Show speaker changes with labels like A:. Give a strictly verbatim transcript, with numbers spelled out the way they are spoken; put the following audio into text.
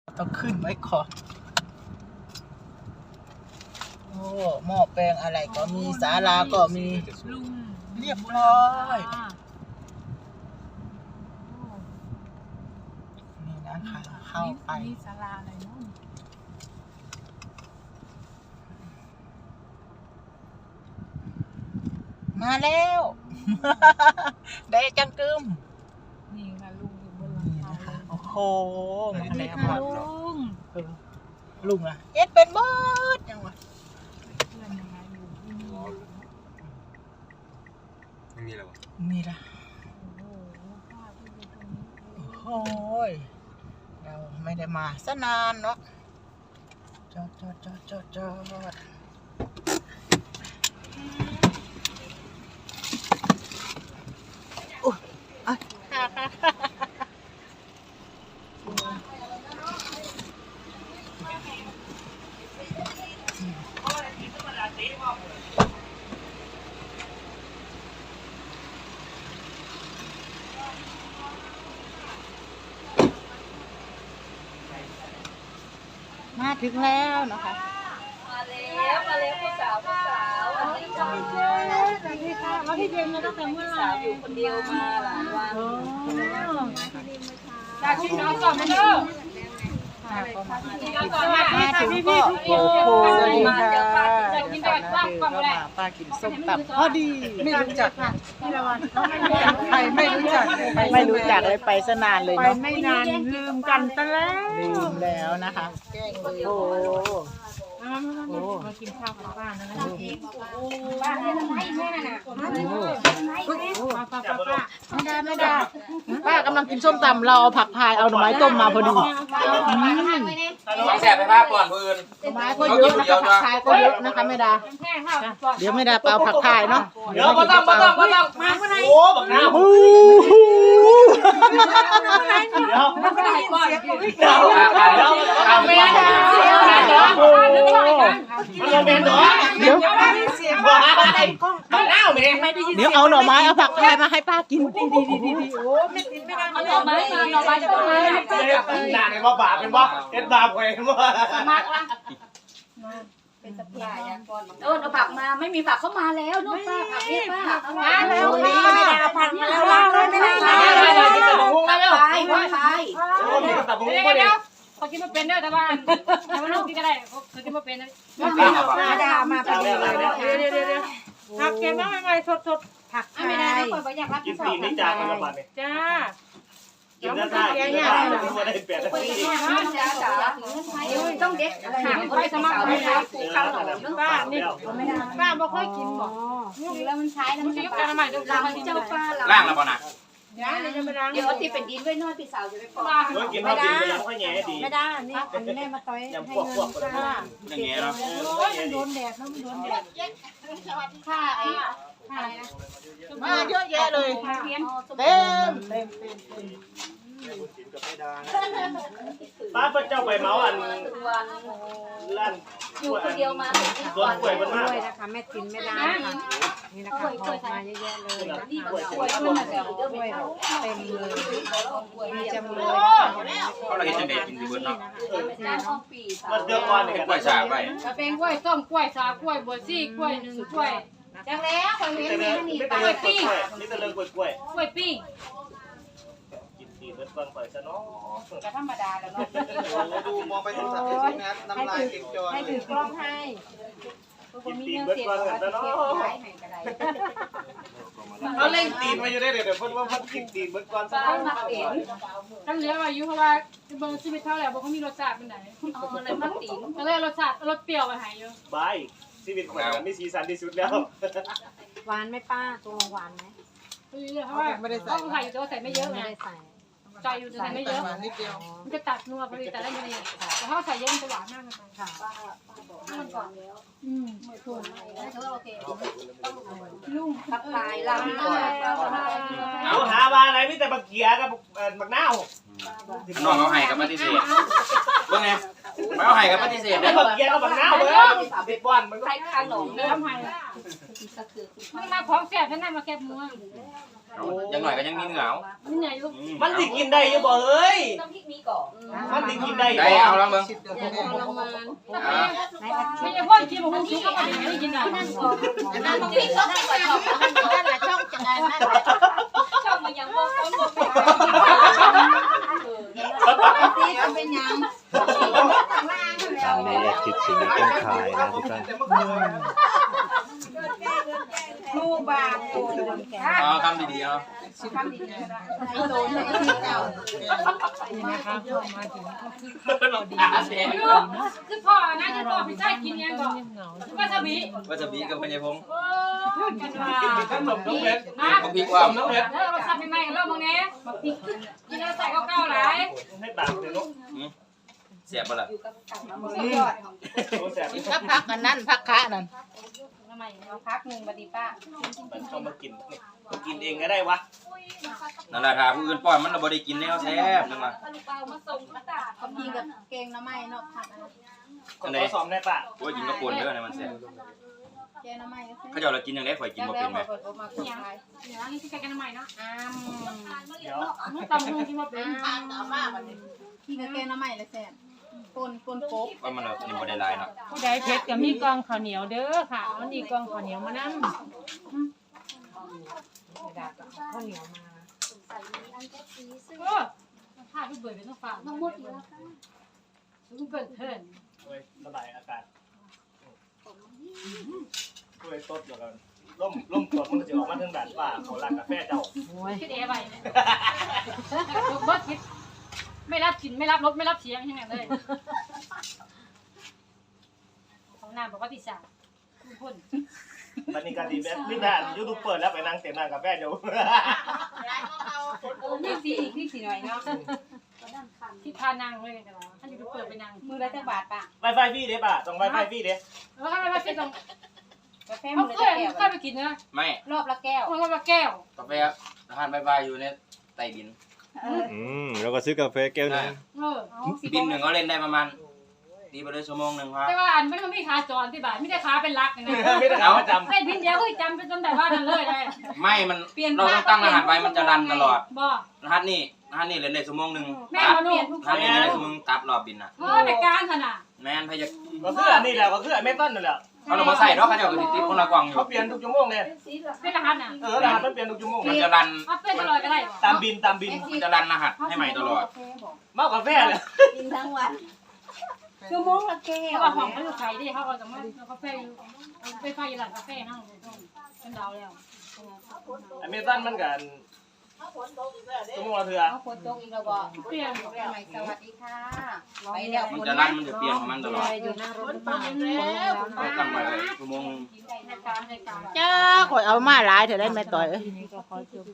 A: ต้องขึ้นไว้ก่อนโอ้หม้อแปลงอะไรก็มีศาลาก็มีเรียบร้อยนี่นะคะเข้าไป
B: ศาลาอะไรเนาะ
A: มาแล้วได้จังกึม
B: นี่ค่ะลุงอยู่บนหลังคาเลย
A: โอ้โหมาแล้ว
B: ค่ะลุง
A: ลุงอะเอ็ดเป็นบอสยังวะ
B: เพื่อนยังไงอยู่ที่นี่
C: ไม่มีแล้ววะ
A: มีละ
B: โอ้โหป้าที่อยู่ตรงนี้
A: โอ้ยเราไม่ได้มาซะนานเนาะจอดจอดจอดจอดจอดอุ๊ยอ่ะมาถึงแล้วนะคะ
D: มาแล้วมาแล้วผู้สาวผู้สาววันนี้ก็มี
B: สวัสดีค่ะแล้วพี่เจมส์มาตั้งแต่เมื่อไหร่
D: สาวอยู่คนเดียวมาหลายวัน
B: จากที่น้องสอบมาเด้อ
A: มาก็มา
B: มาถึงก็โอ้โหจะกินแบบป้าก่อนเลย
A: ป้ากินส้มตำพอดีไม่รู้จักพี่ละวันใครไม่รู้จักไม่รู้จักเลยไปซะนานเลย
B: ไป
A: เนาะ
B: ไม่นานลืมกันซะแล้ว
A: ลืมแล้วนะคะโอ้โห
B: มากินข้าวกับป้านะ
D: บ้านเนี่ยทำไมแม่น่ะ
B: ป้าป้าป้าป้า
A: ไม่ได้ไม่ได้ป้ากำลังกินส้มตำเราเอาผักพายเอาหน่อไม้ต้มมาพอดี
C: ต้องแสบไปภาพก่อนปืน
A: หน่อไม้ก็เยอะนะคะผักพายก็เยอะนะคะไม่ได้
B: แค่ข้าว
A: เดี๋ยวไม่ได้เอาผักพายเนาะ
C: เดี๋ยวมาต้องมาต้องมาต้อง
B: มาเมื่อไหร่
C: โอ้บักน้ำ
A: โอ้โห
C: เดี๋ยว
B: มาเมื่อไหร่ก่อนเดี๋ยว
C: เดี๋ยวเดี๋ยวทำไม่ได้เหรอมันลงเป็นเหรอ
A: เดี๋ยว
C: บ้าบ้าเน่าไหม
A: เดี๋ยวเอาหน่อไม้เอาผักพายมาให้ป้ากินดีดีดีดีดีโอ้
D: เอาหน่อไม้มาหน่อไม้จะเป็นไง
C: หนาเนี่ยว่าบาปเป็นว่าเอ็ดบาปไงว่า
D: มากละเป็นตะเพียนก่อนโน่นเอาผักมาไม่มีผักเข้ามาแล้วโน่นป้าผักนี่ป้ามาแล้วไม่ได้เอาผักมาแล้วว่างเลยไม่ได้มาผักไปผักไป
C: โอ้มีกระตับมุ้ง
B: เดี๋
C: ก็
B: ยว
C: เด็
B: เดี๋ย
C: ก
B: วเขากินมาเป็นเด้อแต่ว่าแต่ว่าลูกกินก็ได้เขากินมาเป็นนะ
D: มาดามาพอดีเลยนะคะ
B: เดี๋ยวเดี๋ยวเดี๋ยวผักเก็บมาใหม่ๆสดๆผัก
D: ไม่ได้นะคนอยากรับ
C: กินตีนนี่จานกระบาดเนี่ย
B: จ้า
C: กินได้ได้กินได้ได้ไม่ได้เปลี่ยน
D: คนอยากรับจ้าจ๋าต้องเด็ดหางไปสมัครเลยนะผูกข้าวหนม
B: ป้านี่ป้าบ่ค่อยกินบ่
D: แล้วมันใช้แล้ว
B: มั
D: มัน น
B: จะ
D: จะ
B: ยุบ
D: ป
B: กันใหม่เดี๋ยว
D: หลัง
B: มากิน
D: เจ้าป้า
C: ล่างแล้วป่ะนะ
B: เดี๋ยวเดี๋ยวจะไปล้าง
D: เดี๋ยวที่เป็นดินไว้น้อยพี่สาวจะไปปอก
C: เฮ้ยกินข้าวกินไปยังค่อยแง่ดี
B: ไม่ได้นี่อันนี้แม่มาต้อย
C: ยังพวกพวกคนอย่างเงี้ยเนาะ
B: โอ้ยมันโดนแดดนะมันโดนแดด
D: ค่ะไอ้
B: ค่ะ
A: มาเยอะแยะเลย
B: เพี้ยน
A: เต็มเต็มเต็มเต็ม
C: ป้าพระเจ้าไปเมาอันลั่น
D: อยู่คนเดียวมา
C: ส่วนป่วยมันมาก
E: ด้วยนะคะแม่ตินไม่ได้ค่ะนี่นะคะออกมาเยอะแยะเลยนะคะ
D: ป่วยป่วยขึ้นมาแล้ว
E: ด้วยเต็มเลยมีจำเลย
C: เขาเราเห็นจังเด็กกินดีเบิร์ดเนาะ
D: จ้างห้องปี
C: มันเดือดร้อนเนี่ยกล้วยฉาบไป
B: กระเป็นกล้วยส้มกล้วยสากล้วยบัวซี่กล้วยหนึ่งกล้วย
D: จังแล้วคนเห็น
C: แต่
D: มี
C: เรื่อง
D: นี่
C: นี่แต่เรื่องกล้วยนี่แต่เรื่องกล้วยกล้วย
B: กล้วยปิ้ง
C: กินดีเบิร์ดก่อนปล่อยซะเนาะ
D: ก็ธรรมดาแล้วเนาะ
F: ดูมองไปโทรศัพท์สินะน้ำลายเก่งจอย
E: ให้ถือกล้องให้
C: กินดีเบิร์ดก่อนซะเนาะ
D: เขา
C: เขาเล่นตีนมาอยู่ได้เดี๋ยวเพิ่นว่าเพิ่นกินตีนเบิร์ดก่อนซะ
D: บ้านมักเตียง
B: ตั้งเหลืออายุเพราะว่าเบิ่งชีวิตเท่าแล้วบ่เขามีรสชาติเป็นไหน
D: เอาเลยมักเตียง
B: ก็เลยรสชาติรสเปรี้ยวไปหายอยู่
C: บายชีวิตคนมันมีสีสันที่สุดแล้ว
E: หวานไหมป้าตัวหวานไหม
B: เพราะว่าเขาใส่อยู่แต่ว่าใส่ไม่เยอะ
E: ไม่
B: ไง
E: ได้ใส่
B: ใจอยู่แต่ใส่ไม่เยอะ
A: มานิดเดียว
B: มันจะตัดนัวพอดีแต่ได้ไม่ดีแต่ถ้าใส่เยอะมันจะหวานมากเลย
E: ค่ะ
D: มันก่อนแล้ว
B: อืม
D: ถูกแล้วถือว่าโอเค
B: ลุง
D: ทักทายลำก่อน
C: เอาหาว่าอะไรมีแต่บักเกียกับบักนาว
G: น้องเอาให้กับปฏิเสธเบิ่งไงไม่เอาให้กับปฏิเสธ
C: แล้
G: เด้
C: ว
G: อ
C: บักเกียกับบักนาวเบิ่งเด็กบอลมันก็
D: ใครข้างหนอง
B: เนื้อทำไมมันมาของแซ่บฉันได้มาแคบมือ
D: ใ
G: ยังหน่อยก็ยังมีเหงา
B: นี่ไงลูก
C: มันสิกินได้อยู่บ่เอ้ย
D: น้ำพริกมีก่อน
C: มันสิกินได้
G: ได้เอาแล้วมึง
B: ไม่ใช่พ่อกินผมกินก็ไม่ได้กินอ่ะ
D: น้ำพริกก็ไม่ก่อนช่องนั่นแหละช่องจังไงนั่นแหละช่องมันยังบ่คนบ่เป็นซีจะเป็นยัง
H: แม่แรกคิดสิ่งต้นขายนะทุกท่าน
A: ลูกบาท
G: อ๋อคำดีๆเอา
D: ไอ้โดนไอ้ที่เก่า
A: นี่นะคะมาถึง
B: คือพ่อนะคือพ่อพี่ชายกินยังก่อนว่าจะบี
G: ว่าจะบีกับพญายพงษ์
B: โอ้กันว่า
C: ขนมน้องเพชร
B: นะ
G: เขาพีกว่า
C: น้องเพชร
B: แล้วเราทำใหม่ๆเริ่มมึงเนี้ยกินแล้วใส่เก้าๆหลาย
C: ให้ตามเลยลูก
G: เสียบปะล่ะ
A: พักพักอันนั้นพักคะนั่น
B: ทำไม
A: เอาพักหนึ่งบัดนี้ป้า
C: มันชอบมากินมากินเองก็ได้วะ
G: นั่นแหละถ้าผู้อื่นป้อนมันเราบ่ได้กินแล้วแซ่บนึงว่ะ
B: ลูกเปล่ามาส่งกระดาษ
D: เขากินกับเกงน้ำไม้เนาะผัด
C: คนเขาซ้อมได้ปะ
G: ว่ากินกระปุนเด้อนะมันแซ่บ
D: เกงน้ำไม้ก็
G: เขาเจ้าเรากินอย่างไรข่อยกินบ่เป็นไหม
D: เปิดออกมาคนไทย
B: เดี๋ยวนี่ที่กันใหม่เนาะ
D: อ้าม
C: เดี๋ยว
B: ตำหูกินมาเป็น
D: อ้ามกินกับเกงน้ำไม้เลยแซ่บปนปนโป๊ก
G: ว่ามันเรากินบ่ได้หลายเนาะ
A: ผู้ใดเพชรก็มีกองข้าวเหนียวเด้อค่ะมันมีกองข้าวเหนียวมานั่งข้าวเหนียวมา
B: โอ้ผ้าพี่เบิร์ดเป็นต้องฝากน้องมดอยู่ลูกเกิดเถิน
C: ระบายอากาศช่วยต้นเดี๋ยวกันล่มล่มตัวมันจะออกมาทางด่านป่าเขาลักกาแฟเจ้า
B: คิดเอ๋ไปลูกเบิร์ดคิดไม่รับกินไม่รับรถไม่รับเสียงยังไงเลยของนางบอกว่าติดสาคุณพ่น
C: ตอนนี้การดีแบบนี่ด่านยูทูบเปิดแล้วไปนั่งเต็มนั่งกาแฟเจ้า
A: นี่สีนี่สีหน่อยเนาะ
B: ที่พานางเลยกันแล้วท่านจะเปิดไปนาง
A: มือละจังบาทป่ะ
C: ไวไฟพี่เด้ป่ะต้องไวไฟพี่เด้
B: แล้วก็ไม่เป็นตรง
A: กาแฟ
B: เขา
A: มือ
B: เค
A: ละ
B: ย
A: แก้ว
B: เคยไปกินนะ
G: ไม่
A: รอบละแก้ว
B: มันก็มาแก้ว
G: กาแฟอาหารบายๆอยู่ในใต้ดิน
H: อืมแล้วก็ซื้อกาแฟแก้วนึง
B: เออ
G: บินหนึ่งเขาเล่นได้ประมาณตีไปเลยชั่วโมงหนึ่งครับ
B: แต่ว่าอันไม่ต้องมีขาจรที่บ้านไม่ได้ขาเป็นรักนะ
C: ไม่ได้เอาประจำ
B: เป็นพินเดียวก็จำเป็นจนแบบว่านั่นเลยได้
G: ไม่มันเราต้องตั้งรหัสไว้มันจะรันตลอด
B: บ่
G: รหัสนี่รหัสนี่เล่นได้ชั่วโมงหนึ่ง
B: แม่
G: ตัด
B: มาเปลี่ยนทุก
G: รหัสนี่เล่นได้ชั่วโมงตัดรอบบินน่ะ
B: เออในการขนาด
G: แม่นพยา
C: ก็คืออันนี้แหละก็คืออันเมตันนั่นแหละ
G: เขาเรามาใส่เนาะเขาจะเอาไปติดคนละกล่องอยู่
C: เขาเปลี่ยนทุกชั่วโมงเลย
B: เป็นรหัสน่ะ
C: เออรหัสมันเปลี่ยนทุกชั่วโมง
G: มันจะรัน
B: เอาเป็นตลอดก็ได้
C: ตามบินตามบิน
G: มันจะรันรหัสให้ใหม่ตลอด
C: มากกาแฟเลย
D: กินทั้งวัน
A: ชั่วโมงละแก้
B: เพ
A: ว
B: ราะว่าของเขาอยู่ไทยดิเขาเอาแต่มากาแฟอยู่ไปไฟอยู่หลังกาแฟนั่งเป็นดาวแล้ว
C: อันเมตันมันกันชั่วโมงละเถื่อ
A: เอาคนตกอีกแล้วบ่
B: เปลี่ยน
A: ใหม่สวัสดีค่ะไปแล้ว
G: มันจะรันมันจะเปลี่ยนของมันตลอด
A: อยู่หน้ารถบ้าน
G: เขาตั้งไว้เลยชั่วโมงหนึ่ง
B: ในการในการ
A: จ้าข่อยเอามาหลายเถอะได้ไหมต่อย
H: นี่ก็ขอจบ